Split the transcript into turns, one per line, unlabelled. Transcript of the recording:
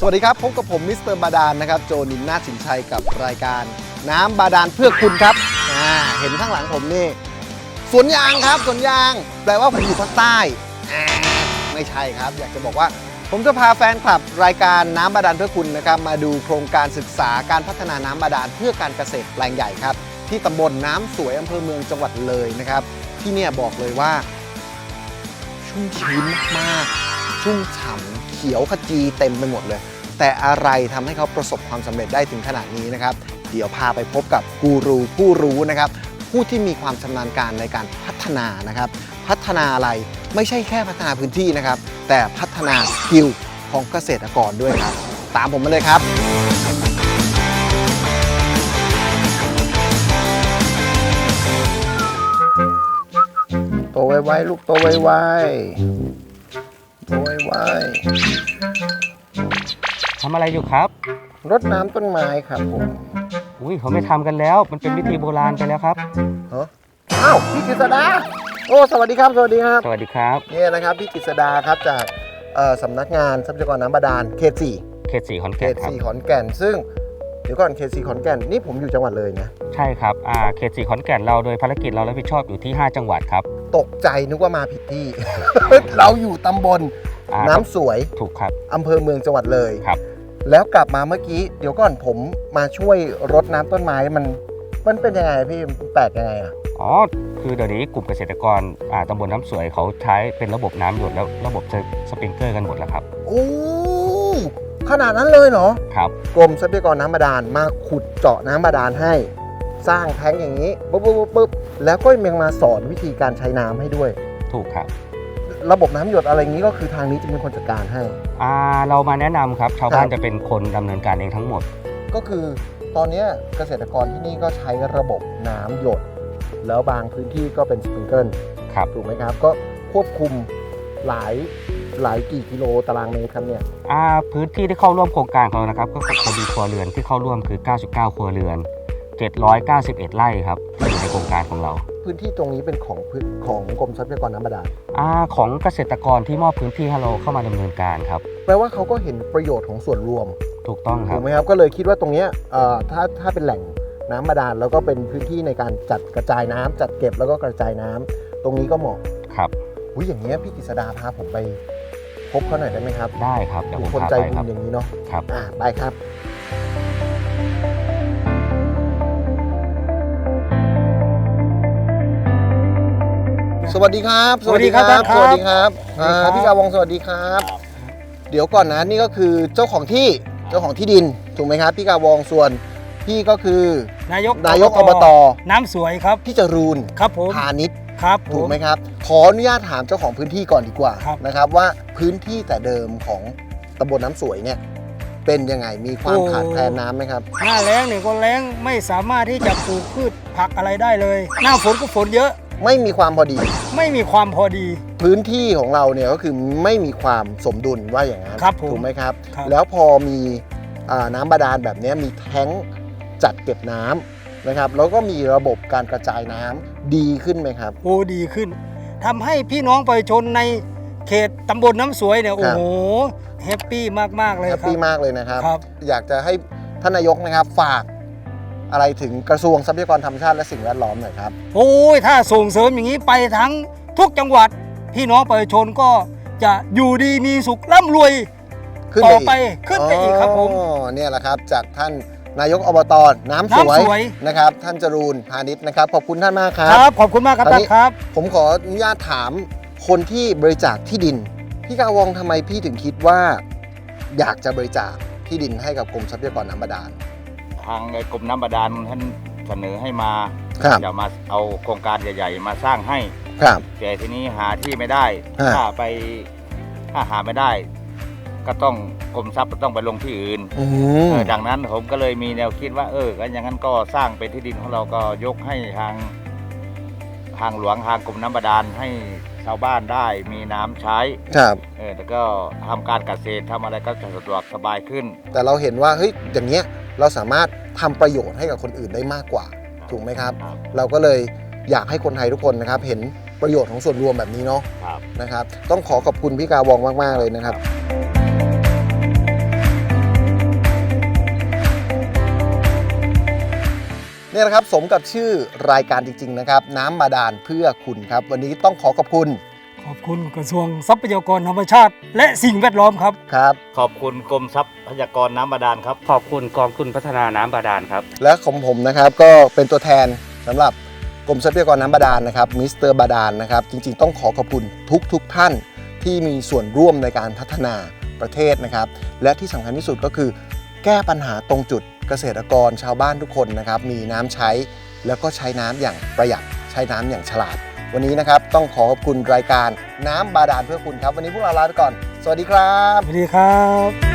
วัสดีครับพบกับผมมิสเตอร์บาดาลนะครับโจนินนาถสินชัยกับรายการน้ำบาดาลเพื่อคุณครับเห็นข้างหลังผมนี่สวนยางครับสวนยางแปลว่าผมอยู่ภาคใต้ไม่ใช่ครับอยากจะบอกว่าผมจะพาแฟนคลับรายการน้ำบาดาลเพื่อคุณนะครับมาดูโครงการศึกษาการพัฒนาน้ำบาดาลเพื่อการเกษตรแปลงใหญ่ครับที่ตำบลน้ำสวยอำเภอเมืองจังหวัดเลยนะครับที่เนี่ยบอกเลยว่าชุ่มชื้นมากชุ่มฉ่ำเขียวขจีเต็มไปหมดเลยแต่อะไรทำให้เขาประสบความสำเร็จได้ถึงขนาดนี้นะครับเดี๋ยวพาไปพบกับกูรูผู้รู้นะครับผู้ที่มีความชำนาญการในการพัฒนานะครับพัฒนาอะไรไม่ใช่แค่พัฒนาพื้นที่นะครับแต่พัฒนาสกิลของเกษตรกรด้วยครับตามผมมาเลยครับโตไวๆลูกโตไวๆโตไว
ทำอะไรอยู่ครับ
ๆรดน้ำต้นไม้ครับผม
อุ้ยเขาไม่ทำกันแล้วมันเป็นวิธีโบราณไปแล้วครับ
อ้าวพี่กฤษดาโอ้สวัสดีครับสวัสดีครับ
สวัสดีครับ
นี่นะครับพี่กฤษดาครับจากสำนักงานทรัพยากรน้ำบาดาลเขต 4
เขต 4ขอน
เขต
แก่นครับ
4ขอนแก่นซึ่งเดี๋ยวก่อนเขต 4ขอนแก่นนี่ผมอยู่จังหวัดเลยนะ
ใช่ครับเขต 4ขอนแก่นเราโดยภารกิจเรารับผิดชอบอยู่ที่5จังหวัดครับ
ตกใจนึกว่ามาผิดที่ เราอยู่ตำบลน้ำสวย
ถูกครับ
อำเภอเมืองจังหวัดเลย
ครับ
แล้วกลับมาเมื่อกี้เดี๋ยวก่อนผมมาช่วยรดน้ำต้นไม้มันเป็นยังไงพี่แปลกยังไง
อ๋อคือเดี๋ยวนี้กลุ่มเกษตรกรตำบลน้ำสวยเขาใช้เป็นระบบน้ำหยดแล้วระบบสปริงเกอร์กันหมดแล้วครับ
โอ้ขนาดนั้นเลยเหรอ
ครับ
กรมทรัพยากรน้ำบาดาลมาขุดเจาะน้ำบาดาลให้สร้างแท้งอย่างนี้ปุ๊บแล้วก็ยังมาสอนวิธีการใช้น้ำให้ด้วย
ถูกครับ
ระบบน้ำหยดอะไรอย่างนี้ก็คือทางนี้จะเป็นคนจัดการให้
เรามาแนะนำครับชาวบ้านจะเป็นคนดำเนินการเองทั้งหมด
ก็คือตอนนี้เกษตรกรที่นี่ก็ใช้ระบบน้ำหยดแล้วบางพื้นที่ก็เป็นสปริงเกิลถูกไหมครับก็ควบคุมหลายกี่กิโลตารางเมตรครับเนี่ย
พื้นที่ที่เข้าร่วมโครงการของเรานะครับก็พอดีครัวเรือนที่เข้าร่วมคือ99ครัวเรือน791ไร่ครับที่อยู่ในโครงการของเรา
พื้นที่ตรงนี้เป็นของกรมทรัพยากรน้ำบาดาล
ของเกษตรกรที่มอบพื้นที่ให้เราเข้ามาดำเนินการครับ
แปลว่าเขาก็เห็นประโยชน์ของส่วนรวม
ถูกต้องครับ
ถูกไหมครับก็เลยคิดว่าตรงนี้ถ้าเป็นแหล่งน้ำบาดาลแล้วก็เป็นพื้นที่ในการจัดกระจายน้ำจัดเก็บแล้วก็กระจายน้ำตรงนี้ก็เหมาะ
ครับ
อย่างนี้พี่กฤษดาพาผมไปพบเขาหน่อยได้ไหมครับ
ได้ครับเดี๋ยวผม
คน
พา
ใจ
ไป
บุญอย่างนี้เนาะ
ครับ
ได้ครับสวัสดีครับ
สวัสดีครับ
สวัสดีครับพี่กาวงสวัสดีครับเดี๋ยวก่อนนะนี่ก็คือเจ้าของที่ดินถูกไหมครับพี่กาวงส่วนพี่ก็คือนายกอบต.
น้ำสวยครับ
พี่จรูน
ครับผม
พาณิชย์
ครับ
ถูกไหมครับขออนุญาตถามเจ้าของพื้นที่ก่อนดีกว่านะครับว่าพื้นที่แต่เดิมของตำบลน้ำสวยเนี่ยเป็นยังไงมีความขาดแคลนน้ำไหมครับ
หน้าแล้งเนี่ยก็แล้งไม่สามารถที่จะปลูกพืชผักอะไรได้เลยหน้าฝนก็ฝนเยอะ
ไม่มีความพอดีพื้นที่ของเราเนี่ยก็คือไม่มีความสมดุลว่าอย่างนั้นถูกไหมครับแล้วพอมีน้ำบาดาลแบบนี้มีแท้งจัดเก็บน้ำนะครับแล้วก็มีระบบการกระจายน้ำดีขึ้นไหมครับ
ดีขึ้นทำให้พี่น้องประชาชนในเขตตำบลน้ำสวยเนี่ยโอ้โหแฮปปี้มากๆเลยครับ
แฮปปี้มากเลยนะครับอยากจะให้ท่านนายกนะครับฝากอะไรถึงกระทรวงทรัพยากรธรรมชาติและสิ่งแวดล้อมหน่อยครับ
ถ้าส่งเสริมอย่างนี้ไปทั้งทุกจังหวัดพี่น้องประชาชนก็จะอยู่ดีมีสุขร่ำรวยต่อไปขึ้นไปอีกครับผม
เนี่ยแหละครับจากท่านนายกอบต.น้ำสวยนะครับท่านจรูนพาณิชย์นะครับขอบคุณท่านมากครับ
ขอบคุณมากครับท่านครับ
ผมขออนุญาตถามคนที่บริจาคที่ดินพี่กาวงทำไมพี่ถึงคิดว่าอยากจะบริจาคที่ดินให้กับกรมทรัพยากรน้ำบาดาล
ทางกรมน้ำบาดาลท่านเสนอให้มาจะมาเอาโครงการใหญ่ๆมาสร้างให้แต่ทีนี้หาที่ไม่ได้ถ้าหาไม่ได้ก็ต้องกรมทรัพย์ต้องไปลงที่อื่นดังนั้นผมก็เลยมีแนวคิดว่าก็อย่างนั้นก็สร้างเป็นที่ดินของเราก็ยกให้ทางหลวงทางกรมน้ำบาดาลให้ชาวบ้านได้มีน้ำใช้แล้วก็ทำการเกษตรทำอะไรก็จะสะดวกสบายขึ้น
แต่เราเห็นว่าอย่างเงี้ยเราสามารถทำประโยชน์ให้กับคนอื่นได้มากกว่าถูกไหมครับเราก็เลยอยากให้คนไทยทุกคนนะครับเห็นประโยชน์ของส่วนรวมแบบนี้เนาะนะครับต้องขอบคุณพี่กาวองมากๆเลยนะครับนี่นะครับสมกับชื่อรายการจริงๆนะครับน้ำบาดาลเพื่อคุณครับวันนี้ต้องขอบคุณ
ขอบคุณกระทรวงทรัพยากรธรรมชาติ และสิ่งแวดล้อมครับ
ครับ
ขอบคุณกรมทรัพยากรน้ำบาดาลครับ
ขอบคุณกองทุนพัฒนาน้ำบาดาลครับ
และของผมนะครับก็เป็นตัวแทนสำหรับกรมทรัพยากรน้ำบาดาลนะครับมิสเตอร์บาดาลนะครับจริงๆต้องขอบคุณทุกท่านที่มีส่วนร่วมในการพัฒนาประเทศนะครับและที่สำคัญที่สุดก็คือแก้ปัญหาตรงจุดเกษตรกรชาวบ้านทุกคนนะครับมีน้ำใช้แล้วก็ใช้น้ำอย่างประหยัดใช้น้ำอย่างฉลาดวันนี้นะครับต้องขอบคุณรายการน้ำบาดาลเพื่อคุณครับวันนี้พวกเราลาไปก่อนสวัสดีครับ
สวัสดีครับ